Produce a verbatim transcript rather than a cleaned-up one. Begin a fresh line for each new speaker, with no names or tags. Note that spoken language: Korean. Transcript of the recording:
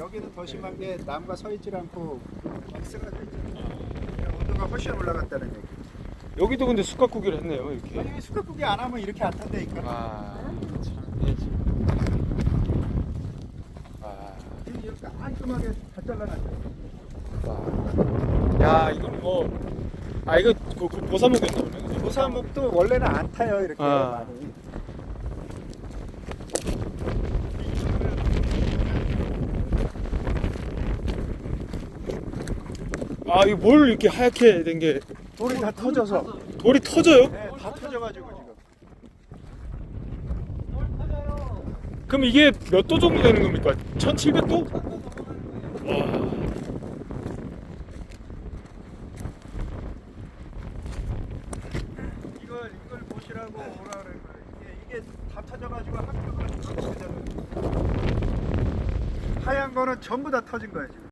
여기는 더 심한 게 나무가 서 있질 않고 막 쓰러져 있잖아요. 온도가 훨씬 올라갔다는 얘기.
여기도 근데 숯가꾸기를 했네요, 이렇게.
아니 수갑구기 안 하면 이렇게 안 탄다니까.
아, 참, 이게 참. 아,
지금 이렇게 깔끔하게 다 잘라놨죠.
와. 야, 이건 뭐, 아, 이거 그, 그 보사목이었나 보네. 그죠?
보사목도 원래는 안 타요 이렇게
아.
많이.
아, 이거 뭘 이렇게 하얗게 된 게,
돌이 다 터져서.
돌이 터져요?
네, 다 터져가지고 지금.
그럼 이게 몇 도 정도 되는 겁니까? 천칠백 도? 와.
이걸 이걸 보시라고 오라 그래. 이게 이게 다 터져가지고 학교가 터지잖아요. 하얀 거는 전부 다 터진 거예요 지금.